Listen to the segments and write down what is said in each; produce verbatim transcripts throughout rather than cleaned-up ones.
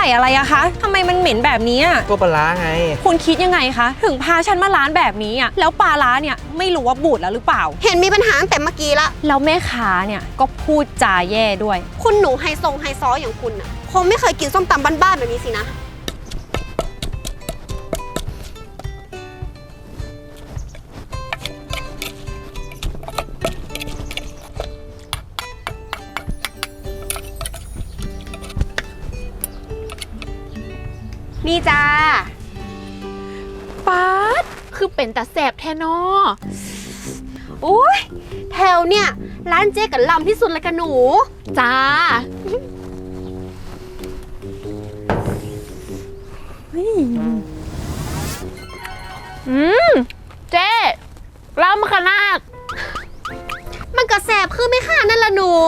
ส่อะไรอะคะทำไมมันเหม็นแบบนี้อะก็ปลาร้าไงคุณคิดยังไงคะถึงพาฉันมาร้านแบบนี้อะแล้วปลาร้าเนี่ยไม่รู้ว่าบูดแล้วหรือเปล่าเห็นมีปัญหาตั้งแต่เมื่อกี้ละแล้วแม่ค้าเนี่ยก็พูดจาแย่ด้วยคุณหนูไฮโซไฮซออย่างคุณน่ะคงไม่เคยกินส้มตำบ้านๆแบบนี้สินะนี่จ้าป๊าดคือเป็นตาแสบแทนอโอ้ยแถวเนี่ยร้านเจ๊กับลำที่สุดเลยกันหนูจ้าอืมเจ๊ลำขนาดมันก็แสบคือไม่ค่ะนั่นละหนู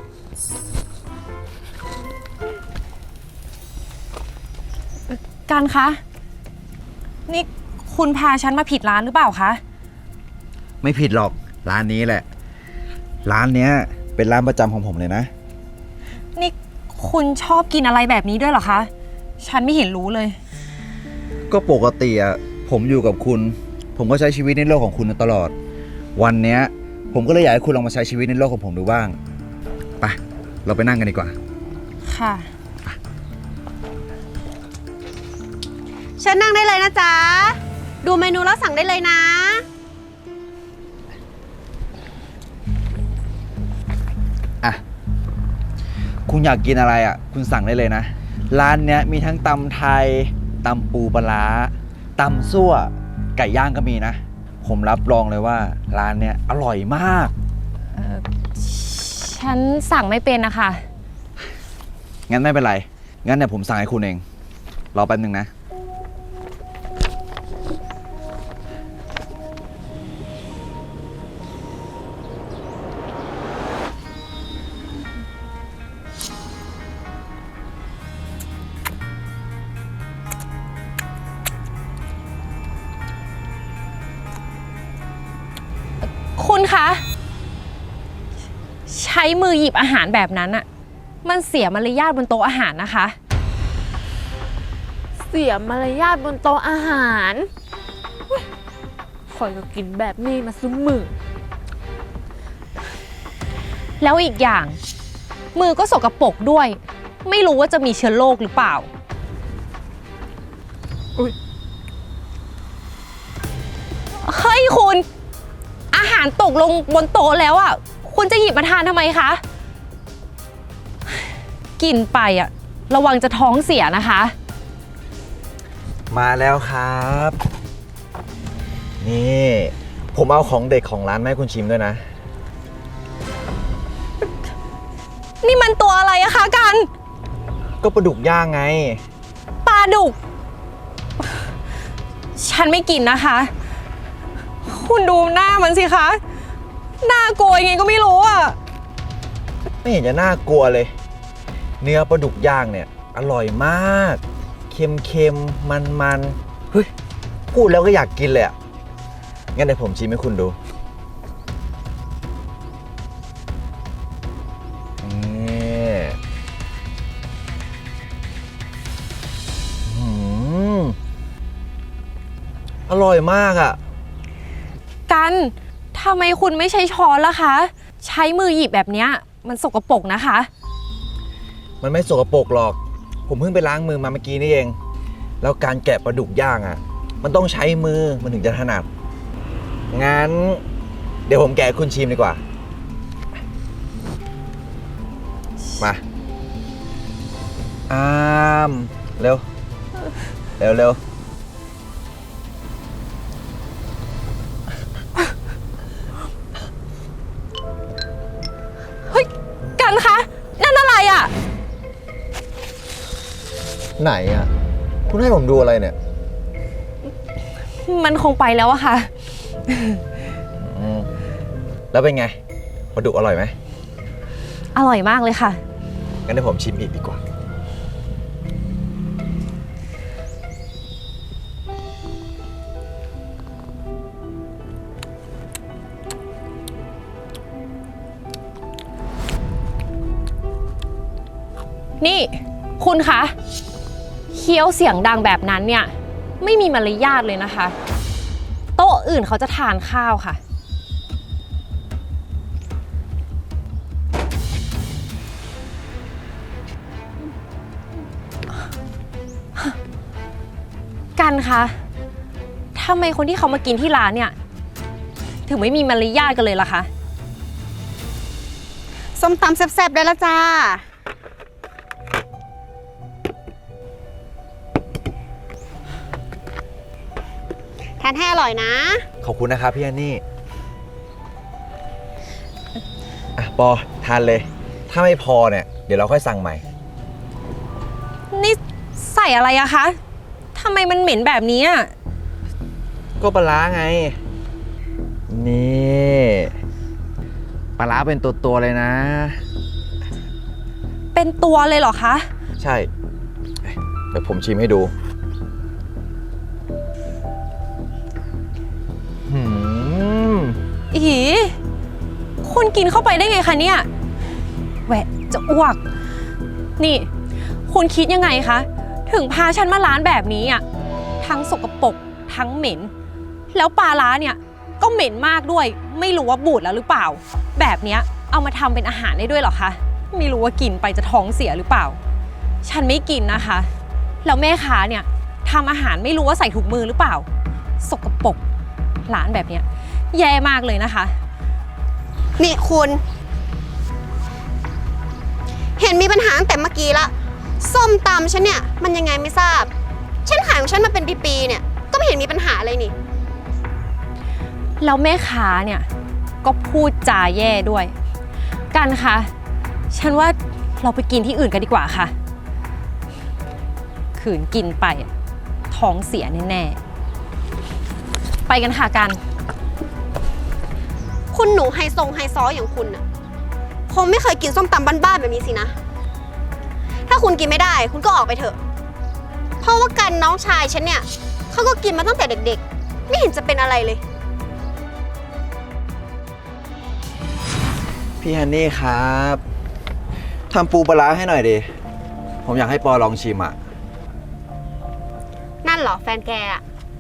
กันคะนี่คุณพาฉันมาผิดร้านหรือเปล่าคะไม่ผิดหรอกร้านนี้แหละร้านเนี้ยเป็นร้านประจำของผมเลยนะนี่คุณชอบกินอะไรแบบนี้ด้วยเหรอคะฉันไม่เห็นรู้เลยก็ปกติอะผมอยู่กับคุณผมก็ใช้ชีวิตในโลกของคุณตลอดวันเนี้ยผมก็เลยอยากให้คุณลองมาใช้ชีวิตในโลกของผมดูบ้างไปเราไปนั่งกันดีกว่าค่ะเชิญนั่งได้เลยนะจ๊ะดูเมนูแล้วสั่งได้เลยนะอ่ะคุณอยากกินอะไรอ่ะคุณสั่งได้เลยนะร้านเนี้ยมีทั้งตำไทยตำปูปลาร้าตำซั่วไก่ย่างก็มีนะผมรับรองเลยว่าร้านเนี้ยอร่อยมากเอ่อฉันสั่งไม่เป็นนะคะงั้นไม่เป็นไรงั้นเดี๋ยวผมสั่งให้คุณเองรอแป๊บนึงนะคุณคะใช้มือหยิบอาหารแบบนั้นอะมันเสียมารยาทบนโต๊ะอาหารนะคะเสียมารยาทบนโต๊ะอาหารคอยก็กินแบบนี้มาซุ้มมือแล้วอีกอย่างมือก็สกปรกด้วยไม่รู้ว่าจะมีเชื้อโรคหรือเปล่าเฮ้ยคุณอาหารตกลงบนโต๊ะแล้วอ่ะคุณจะหยิบมาทานทำไมคะกินไปอ่ะระวังจะท้องเสียนะคะมาแล้วครับนี่ผมเอาของเด็กของร้านมาให้คุณชิมด้วยนะนี่มันตัวอะไรอะคะกันก็ปลาดุกย่างไงปลาดุกฉันไม่กินนะคะคุณดูหน้ามันสิคะน่ากลัวยังไงก็ไม่รู้อ่ะไม่เห็นจะน่ากลัวเลยเนื้อปลาดุกย่างเนี่ยอร่อยมากเค็มๆมันๆเฮ้ยพูดแล้วก็อยากกินเลยอ่ะงั้นเดี๋ยวผมชิมให้คุณดูนี่อืมอร่อยมากอ่ะกันทำไมคุณไม่ใช้ช้อนล่ะคะใช้มือหยิบแบบเนี้ยมันสกปรกนะคะมันไม่สกปรกหรอกผมเพิ่งไปล้างมือมาเมื่อกี้นี่เองแล้วการแกะปลาดุกย่างอ่ะมันต้องใช้มือมันถึงจะถนัดงั้นเดี๋ยวผมแกะคุณชิมดีกว่ามาอ้ามเร็วเร็วเร็วกันคะนั่นอะไรอ่ะไหนอ่ะคุณให้ผมดูอะไรเนี่ยมันคงไปแล้วอะค่ะแล้วเป็นไงปลาดุกอร่อยไหมอร่อยมากเลยค่ะงั้นเดี๋ยวผมชิมอีกดีกว่านี่คุณคะคี้ยวเสียงดังแบบนั้นเนี่ยไม่มีมารยาทเลยนะคะ โต๊ะอื่นเขาจะทานข้าวค่ะ กันคะทำไมคนที่เขามากินที่ร้านเนี่ยถึงไม่มีมารยาทกันเลยล่ะคะส้มตำแซ่บๆได้แล้วจ้า ทานให้อร่อยนะขอบคุณนะครับพี่แอนนี่อ่ะปอทานเลย ถ้าไม่พอเนี่ย เดี๋ยวเราค่อยสั่งใหม่นี่ใส่อะไรอะคะทำไมมันเหม็นแบบนี้อะก็ปลาร้าไง นี่ปลาร้าเป็นตัวตัวๆเลยนะเป็นตัวเลยเหรอคะใช่เดี๋ยวผมชิมให้ดูหืมอีคุณกินเข้าไปได้ไงคะเนี่ยแหวะจะอ้วก นี่ คุณคิดยังไงคะ ถึงพาฉันมาร้านแบบนี้อ่ะทั้งสกปรกทั้งเหม็น แล้วปลาร้าเนี่ยก็เหม็นมากด้วย ไม่รู้ว่าบูดแล้วหรือเปล่า แบบเนี้ยเอามาทำเป็นอาหารได้ด้วยเหรอคะไม่รู้ว่ากินไปจะท้องเสียหรือเปล่า ฉันไม่กินนะคะ แล้วแม่ค้าเนี่ยทำอาหารไม่รู้ว่าใส่ถุงมือหรือเปล่า สกปรกร้านแบบเนี้ยแย่มากเลยนะคะนี่คุณ เห็นมีปัญหาตั้งแต่เมื่อกี้ละส้มตำฉันเนี่ยมันยังไงไม่ทราบ ฉันขายของฉันมาเป็นปีๆเนี่ยก็ไม่เห็นมีปัญหาอะไรนี่แล้วแม่ค้าเนี่ยก็พูดจาแย่ด้วย กันคะฉันว่าเราไปกินที่อื่นกันดีกว่าค่ะ ขืนกินไปอะท้องเสียแน่ๆไปกันค่ะกันคุณหนูไฮทรงไฮซออย่างคุณน่ะคงไม่เคยกินส้มตำบ้านๆแบบนี้สินะ ถ้าคุณกินไม่ได้คุณก็ออกไปเถอะ เพราะว่ากันน้องชายฉันเนี่ยเขาก็กินมาตั้งแต่เด็กๆ ไม่เห็นจะเป็นอะไรเลยพี่แอนนี่ครับทำปูปลาร้าให้หน่อยดิ ผมอยากให้ปอลองชิมอ่ะนั่นเหรอแฟนแกอะ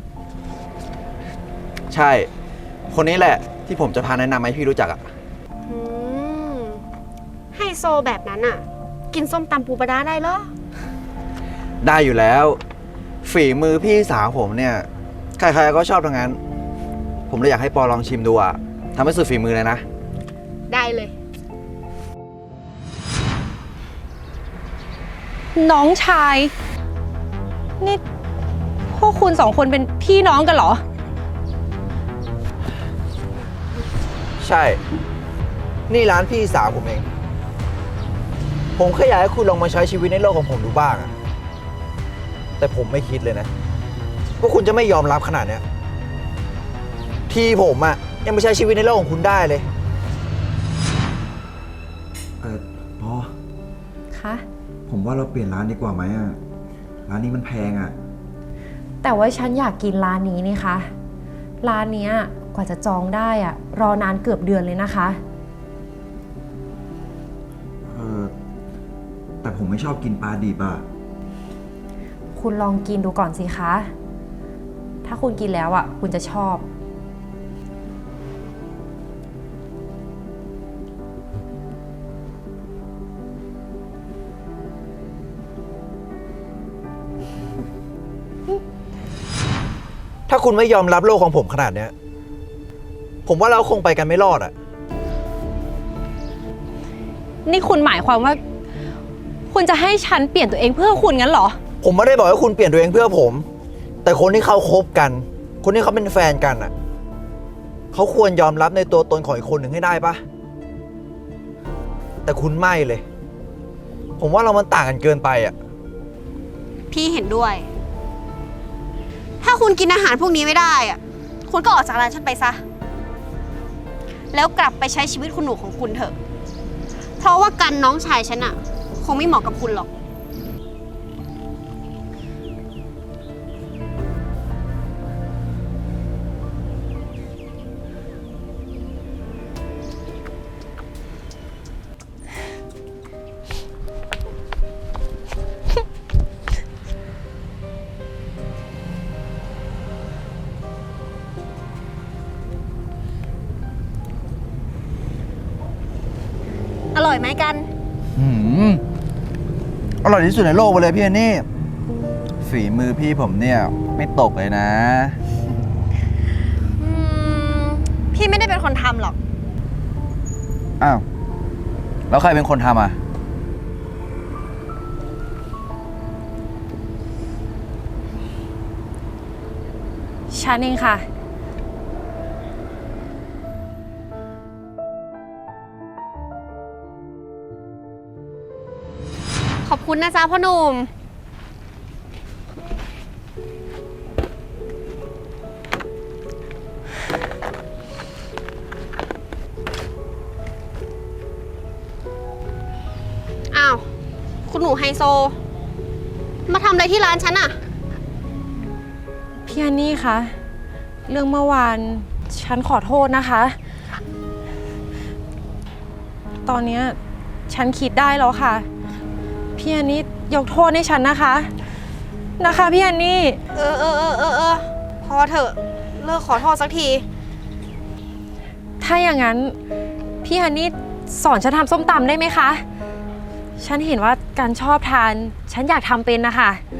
ใช่ คนนี้แหละที่ผมจะพาแนะนำให้พี่รู้จักอ่ะอืมไฮโซแบบนั้นอะกินส้มตำปูปลาร้าได้เหรอได้อยู่แล้ว ฝีมือพี่สาวผมเนี่ย ใครๆก็ชอบทั้งนั้น ผมเลยอยากให้ปอลองชิมดูอ่ะทำให้สุดฝีมือเลยนะได้เลยน้องชาย นี่พวกคุณสองคนเป็นพี่น้องกันเหรอใช่ นี่ร้านพี่สาวผมเอง ผมแค่อยากให้คุณลองมาใช้ชีวิตในโลกของผมดูบ้างอะแต่ผมไม่คิดเลยนะว่าคุณจะไม่ยอมรับขนาดเนี้ยที่ผมอะยังไม่ใช้ชีวิตในโลกของคุณได้เลย เออพอคะผมว่าเราเปลี่ยนร้านดีกว่าไหมอะร้านนี้มันแพงอะแต่ว่าฉันอยากกินร้านนี้นี่คะ ร้านเนี้ยกว่าจะจองได้อะรอนานเกือบเดือนเลยนะคะเออแต่ผมไม่ชอบกินปลาดิบอะคุณลองกินดูก่อนสิคะ ถ้าคุณกินแล้วอ่ะ คุณจะชอบถ้าคุณไม่ยอมรับโลกของผมขนาดเนี้ยผมว่าเราคงไปกันไม่รอดอะนี่คุณหมายความว่า คุณจะให้ฉันเปลี่ยนตัวเองเพื่อคุณงั้นเหรอผมไม่ได้บอกให้คุณเปลี่ยนตัวเองเพื่อผม แต่คนที่เขาคบกัน คนที่เขาเป็นแฟนกันอ่ะเขาควรยอมรับในตัวตนของอีกคนหนึ่งให้ได้ปะแต่คุณไม่เลย ผมว่าเรามันต่างกันเกินไปอ่ะพี่เห็นด้วย ถ้าคุณกินอาหารพวกนี้ไม่ได้อะคุณก็ออกจากร้านฉันไปซะ แล้วกลับไปใช้ชีวิตคุณหนูของคุณเถอะ เพราะว่ากันน้องชายฉันอะคงไม่เหมาะกับคุณหรอกอยไหมกันหืมอร่อยที่สุดในโลกไปเลยพี่อันนี่ฝีมือพี่ผมเนี่ยไม่ตกเลยนะอืม พี่ไม่ได้เป็นคนทำหรอกอ้าว แล้วใครเป็นคนทำอ่ะฉันเองค่ะขอบคุณนะจ๊ะพ่อหนุ่ม อ้าว คุณหนูไฮโซ มาทำอะไรที่ร้านฉันอะพี่อันนี่คะ เรื่องเมื่อวานฉันขอโทษนะคะ ตอนเนี้ยฉันคิดได้แล้วค่ะ พี่อันนี่ยกโทษให้ฉันนะคะ นะคะพี่อันนี่เออเออเออเออเออพอเถอะ เลิกขอโทษสักทีถ้าอย่างนั้นพี่ฮันนี่สอนฉันทำส้มตำได้ไหมคะ ฉันเห็นว่าการชอบทาน ฉันอยากทำเป็นนะคะ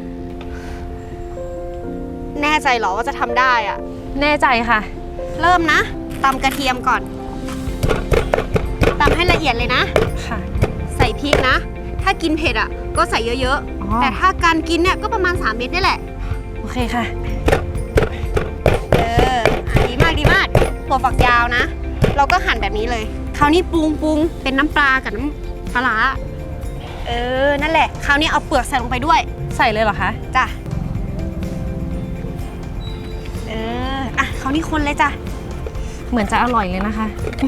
แน่ใจเหรอว่าจะทำได้อะแน่ใจค่ะเริ่มนะตำกระเทียมก่อนตำให้ละเอียดเลยนะค่ะใส่พริกนะ ถ้ากินเผ็ดอ่ะก็ใส่เยอะอ๋อๆ แต่ถ้าการกินเนี่ยก็ประมาณ สาม เม็ดนี่แหละโอเคค่ะเอออ่ะดีมากดีมากถั่วฝักยาวนะ เราก็หั่นแบบนี้เลย คราวนี้ปรุงปรุงเป็นน้ำปลากับน้ำปลาร้าเออ นั่นแหละ คราวนี้เอาเปลือกใส่ลงไปด้วยใส่เลยเหรอคะจ้ะ เออ อ่ะ คราวนี้คนเลยจ้ะเหมือนจะอร่อยเลยนะคะ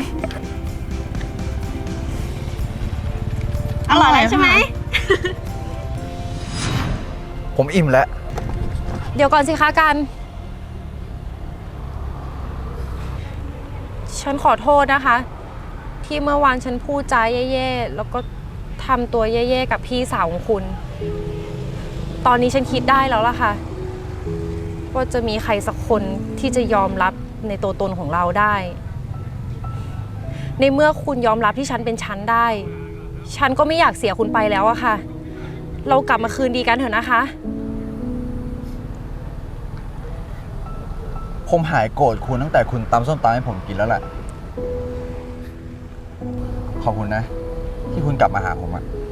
อร่อยแล้วใช่ไหมผมอิ่มแล้วเดี๋ยวก่อนสิคะกัน ฉันขอโทษนะคะ ที่เมื่อวานฉันพูดจาแย่ๆ แล้วก็ทำตัวแย่ๆกับพี่สาวของคุณ ตอนนี้ฉันคิดได้แล้วล่ะค่ะ ว่าจะมีใครสักคนที่จะยอมรับในตัวตนของเราได้ ในเมื่อคุณยอมรับที่ฉันเป็นฉันได้ ฉันก็ไม่อยากเสียคุณไปแล้วอะค่ะ เรากลับมาคืนดีกันเถอะนะคะผมหายโกรธคุณตั้งแต่คุณตำส้มตำให้ผมกินแล้วแหละ ขอบคุณนะ ที่คุณกลับมาหาผมอะ